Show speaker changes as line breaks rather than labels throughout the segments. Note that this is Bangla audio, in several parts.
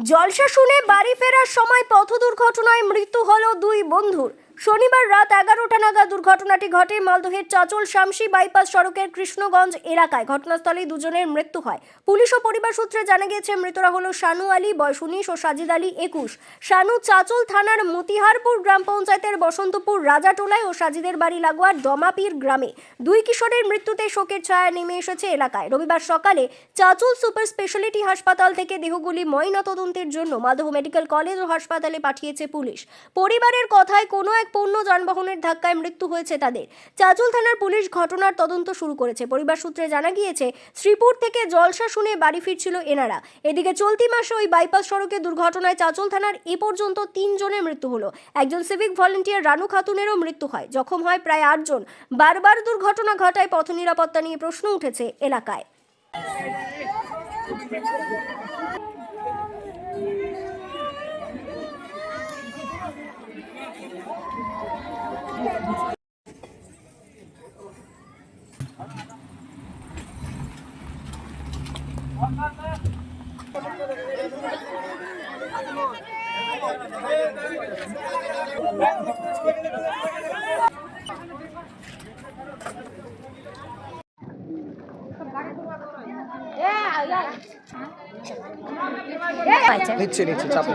জলসা শুনে বাড়ি ফেরার সময় পথ দুর্ঘটনায় মৃত্যু হলো দুই বন্ধুর। শনিবার রাত 11টা নাগাদ দুর্ঘটনাটি ঘটে মালদহের চাচল শামসি বাইপাস সড়কের কৃষ্ণগঞ্জ এলাকায়। ঘটনাস্থলেই দুজনের মৃত্যু হয়। পুলিশ ও পরিবার সূত্রে জানা গিয়েছে মৃতরা হলো শানু আলী বয়স 19 ও সাজিদ আলী 21। শানু চাচল থানার মতিহারপুর গ্রাম পঞ্চায়েতের বসন্তপুর রাজাটোলায় ও সাজিদের বাড়ি লাগোয়া ডমাপির গ্রামে। দুই কিশোরের মৃত্যুতে শোকের ছায়া নেমে এসেছে এলাকায়। রবিবার সকালে চাচল সুপার স্পেশালিটি হাসপাতাল থেকে দেহগুলি ময়নাতদন্তের জন্য মালদহ মেডিকেল কলেজ ও হাসপাতালে পাঠিয়েছে পুলিশ। পরিবারের কথায় কোনো এক পণ্য যানবাহনের ধাক্কায় মৃত্যু হয়েছে তাদের। চাচল থানার পুলিশ ঘটনার তদন্ত শুরু করেছে। পরিবার সূত্রে জানা গিয়েছে শ্রীপুর থেকে জলসা শুনে বাড়ি ফিরছিল এনারা। এদিকে চলতি মাসে ওই বাইপাস সড়কে দুর্ঘটনায় চাচল থানার এ পর্যন্ত 3 জনের মৃত্যু হলো। একজন সিভিক ভলেন্টিয়ার রানু খাতুনেরও মৃত্যু হয়। জখম হয় প্রায় 8 জন। বারবার দুর্ঘটনা ঘটায় পথ নিরাপত্তা নিয়ে প্রশ্ন উঠেছে এলাকায়।
নিচ্ছে চাপে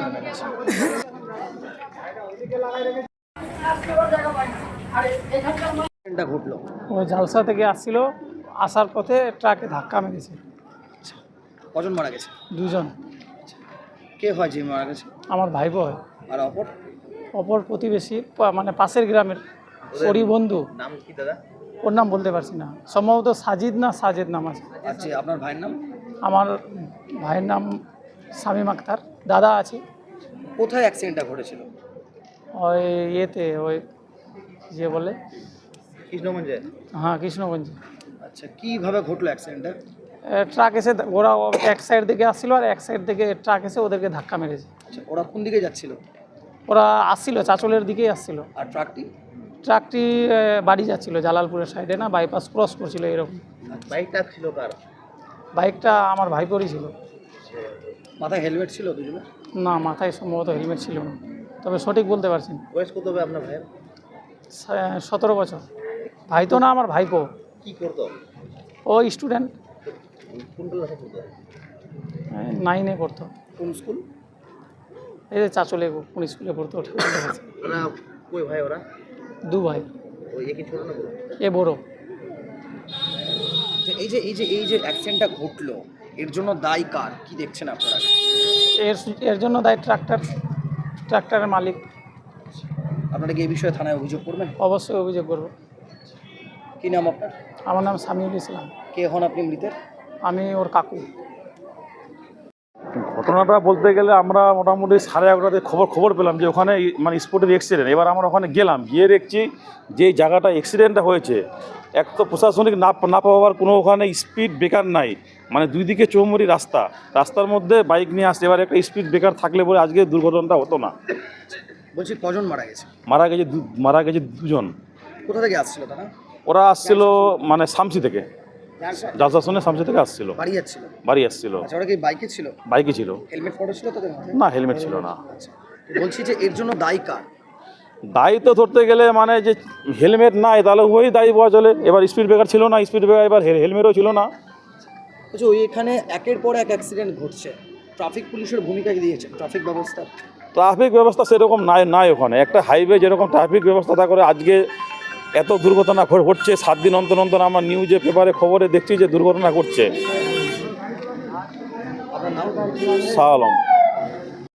ঘটলো।
ও জালসা থেকে আসছিল, আসার পথে ট্রাকে ধাক্কা মেরেছে।
কজন মারা গেছে?
2 জন।
কে হয় যে মারা গেছে?
আমার ভাইপো হয়।
আর
অপর প্রতিবেশী, মানে পাশের গ্রামের ওরই বন্ধু।
নাম কি দাদা?
ওর নাম বলতে পারছি না, সম্ভবত সাজিদ না সাজেদ নাম আছে।
আচ্ছা, আপনার ভাইয়ের নাম?
আমার ভাইয়ের নাম শামীম আক্তার। দাদা আছে।
কোথায় অ্যাক্সিডেন্টটা ঘটেছিল?
ওই ইয়েতে, ওই যে বলে
কৃষ্ণগঞ্জে?
হ্যাঁ, কৃষ্ণগঞ্জে।
আচ্ছা, কিভাবে ঘটলো অ্যাক্সিডেন্টটা?
ট্রাক এসে, ওরা এক সাইড থেকে আসছিল আর এক সাইড থেকে ট্রাক এসে ওদেরকে ধাক্কা মেরেছে।
আচ্ছা, ওরা কোন দিকে যাচ্ছিল?
ওরা আসছিল, চাচলের দিকেই আসছিল।
আর
ট্রাকটি বাড়ি যাচ্ছিল, জালালপুরের সাইডে, না বাইপাস ক্রস করছিল এরকম।
বাইকটা ছিল কার?
বাইকটা আমার ভাইপোরই ছিল।
মাথায় হেলমেট ছিল দুজনে?
না, মাথায় সম্ভবত হেলমেট ছিল না, তবে সঠিক বলতে পারছি না।
বয়স কত হবে আপনার ভাইয়ের?
17 বছর। ভাই তো না, আমার ভাইপো।
কি করতো?
ও স্টুডেন্ট,
কোন ক্লাসে পড়তো?
9-এ পড়তো।
কোন স্কুল?
এই যে চাচলে কোন স্কুলে পড়তো ওটা বলতে পারছি না।
ওরা কই ভাই? ওরা
2 ভাই।
ওই একই ছোট না বড়?
এ বড়।
এই যে অ্যাক্সিডেন্টটা ঘটলো, এর জন্য দায়ী কার, কি দেখছেন আপনারা?
এর জন্য দায়ী ট্রাক্টরের মালিক।
আপনারা কি এই বিষয়ে থানায় অভিযোগ করবেন?
অবশ্যই অভিযোগ করব।
কি নাম আপনার?
আমার নাম সামিউল ইসলাম।
কে হন আপনি মৃতের?
আমি ওর কাকু।
ঘটনাটা বলতে গেলে আমরা মোটামুটি 11:30টাতে খবর পেলাম যে ওখানে মানে স্পটের অ্যাক্সিডেন্ট। এবার আমরা ওখানে গেলাম, গিয়ে দেখছি যে জায়গাটা অ্যাক্সিডেন্টটা হয়েছে, এক তো প্রশাসনিক না পাওয়ার কোনো ওখানে স্পিড ব্রেকার নাই, মানে 2 দিকে চৌমুরি রাস্তার মধ্যে বাইক নিয়ে আসছে। এবার একটা স্পিড ব্রেকার থাকলে বলে আজকে দুর্ঘটনাটা হতো না।
বলছি কজন মারা গেছে?
মারা গেছে 2 জন।
কোথা থেকে আসছিল তারা?
ওরা আসছিল মানে শামসি থেকে, জালসা শুনে শামসি থেকে আসছিল, বাড়ি আসছিল।
আচ্ছা, ওরা কি বাইকে ছিল?
বাইকে ছিল।
হেলমেট পরে ছিল তাদের মাথায়?
না, হেলমেট ছিল না।
আচ্ছা, বলছি যে এর জন্য দায়ী কার?
দায়ী তো ধরতে গেলে মানে যে হেলমেট নাই তাহলে ওই দায়ী পাওয়া চলে। এবার স্পিড ব্রেকার ছিল না, স্পিড ব্রেকার, এবার হেলমেটও ছিল না।
আচ্ছা, ওই এখানে একের পর এক অ্যাক্সিডেন্ট ঘটছে, ট্রাফিক পুলিশের ভূমিকা কি দিয়েছে? ট্রাফিক ব্যবস্থা সেরকম নাই ওখানে। একটা হাইওয়ে যেরকম ট্রাফিক ব্যবস্থা তা করে আজকে এত দুর্ঘটনা ঘটছে। 7 দিন অন্তর আমার নিউজে পেপারে খবরে দেখছি যে দুর্ঘটনা ঘটছে। আপনার নাম?
শাহ আলম।